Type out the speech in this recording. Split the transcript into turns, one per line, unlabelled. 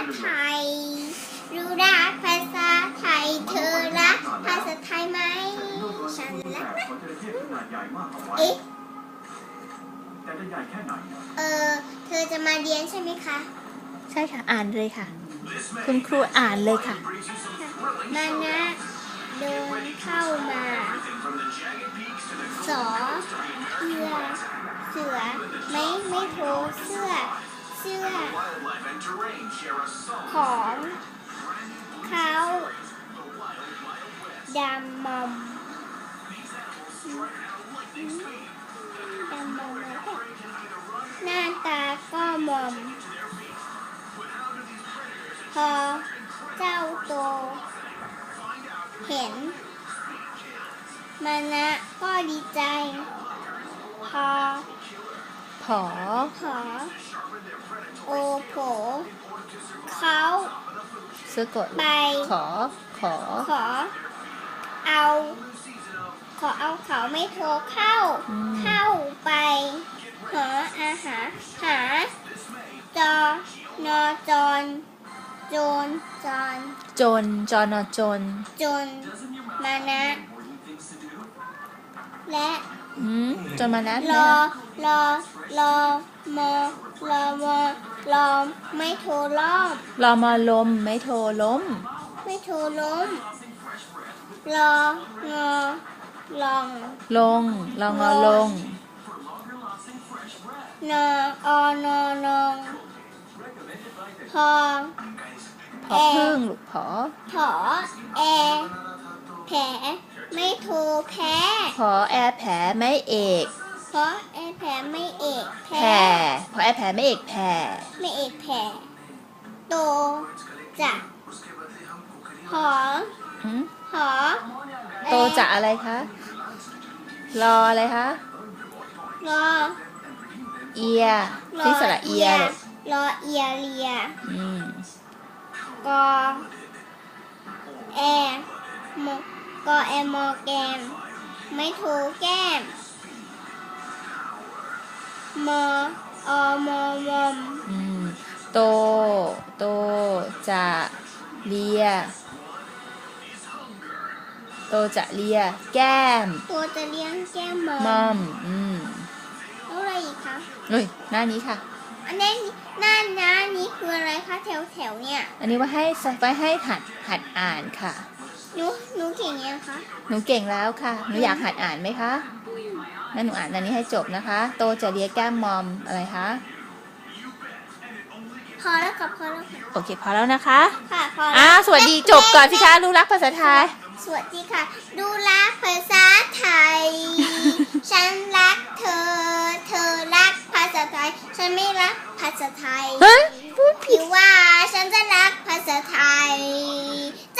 ไทยรู้รักภาษาไทยเธอรักภาษาไทยไหมฉันรักนะเอ๊ะเธอจะมาเรียนใช่ไหมคะ
ใช่ค่ะอ่านเลยค่ะคุณครูอ่านเลยค่ะ
มานะเดินเข้ามาสอเสือไม่โทรเสื้อของเขาดำมอมหน้าตาก็มอมพอเจ้าโตเห็นมานะก็ดีใจพอโอโผเขา
สะกด
ไป
ขอ
เอาเขาไม่โทรเข้าไปหาอาหารหาจอนอจรจนมานะและ
จนมานะ
รอไม่โทรล้อม
รอมาลมไม่โทรล้ม
รองอลอง
ลงรองอลง
นอนองพอ
พึ่งลูกผอ
แอแผลไม่โทรแพ้
ผอแอแผลไม่เอก
เพราะแอแผลไม่เอก
แผ่ผอแอแผลไม่เอกแผ่
โตจะหอ
โตจะอะไรคะรออะไรคะ
รอ
เอียที่สระเอีย
รอเอียเรียกอแอมอแกมไม่โทรแก้มมม
โตจะเลียแก้ม
ตัวจะเลี้ยงแก้ม
มอม
แล้วอะไรอีกคะ
หน้านี้ค่ะ
อันนี้หน้านี้คืออะไรคะแถวเนี่ย
อันนี้ไว้ให้หัดอ่านค่ะ
หนูเก่งยังคะ
หนูเก่งแล้วค่ะหนูอยากหัดอ่านไหมคะงั้นหนูอ่านอันนี้ให้จบนะคะโตจะเลียแก้มมอมอะไรคะ
พอแล้วค่ะ
โอเคพอแล้วนะคะ
ค่ะพอแล้ว
สวัสดีจบก่อนสิคะรู้รักภาษาไทย
สวัสดีค่ะดูรักภาษาไทย ฉันรักเธอรักภาษาไทยฉันไม่รักภาษาไทย
พูดผิด
ว่าฉันจะรักภาษาไทย